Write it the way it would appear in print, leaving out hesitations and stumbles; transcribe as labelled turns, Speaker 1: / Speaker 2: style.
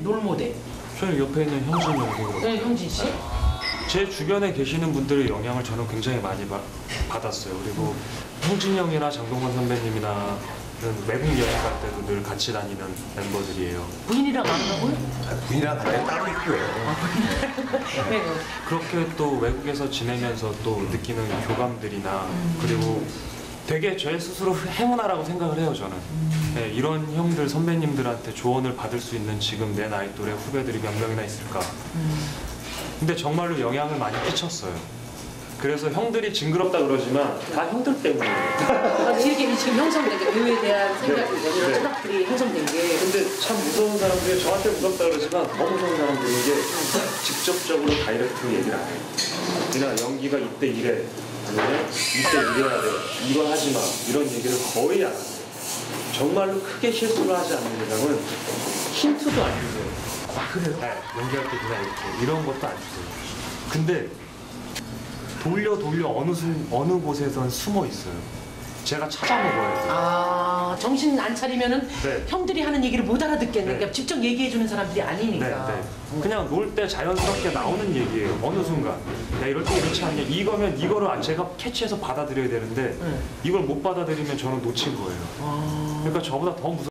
Speaker 1: 롤모델.
Speaker 2: 저는 옆에 있는 현진 형도
Speaker 1: 네, 형진 씨.
Speaker 2: 제 주변에 계시는 분들의 영향을 저는 굉장히 많이 받았어요. 그리고 형진 형이나 장동건 선배님이나 외국 여행 갈 때도 늘 같이 다니는 멤버들이에요.
Speaker 1: 부인이랑 안 가고요?
Speaker 3: 부인이랑 갈 때 따로 있고요.
Speaker 1: 네.
Speaker 2: 그렇게 또 외국에서 지내면서 또 느끼는 교감들이나 그리고 되게 제 스스로 행운아라고 생각을 해요, 저는. 네, 이런 형들, 선배님들한테 조언을 받을 수 있는 지금 내 나이 또래 후배들이 몇 명이나 있을까. 근데 정말로 영향을 많이 끼쳤어요. 그래서 형들이 징그럽다 그러지만 다 형들 때문이에요.
Speaker 1: 이렇게 지금 형성된 게 배우에 대한 생각이
Speaker 2: 네.
Speaker 1: 이런
Speaker 2: 네.
Speaker 1: 철학들이 형성된 게.
Speaker 2: 근데 참 무서운 사람들이 저한테 무섭다 그러지만 더 무서운 사람들인 게 직접적으로 다이렉트로 얘기를 안 해요. 그냥 연기가 이때 이래, 아니면 이때 이래야 돼, 이거 하지 마, 이런 얘기를 거의 안 하세요. 정말로 크게 실수를 하지 않는 이상은 힌트도 안 주세요.
Speaker 1: 아, 그래요?
Speaker 2: 네, 연기할 때 그냥 이렇게 이런 것도 안 주세요. 근데 돌려 어느 곳에선 숨어 있어요. 제가 찾아먹어야 돼요.
Speaker 1: 아, 정신 안 차리면은
Speaker 2: 네.
Speaker 1: 형들이 하는 얘기를 못 알아듣겠네.
Speaker 2: 네.
Speaker 1: 그러니까 직접 얘기해주는 사람들이 아니니까.
Speaker 2: 네. 그냥 놀 때 자연스럽게 나오는 얘기예요. 어느 순간. 야, 이럴 때 이렇지 않냐. 이거면 이거를 제가 캐치해서 받아들여야 되는데 이걸 못 받아들이면 저는 놓친 거예요. 그러니까 저보다 더 무서운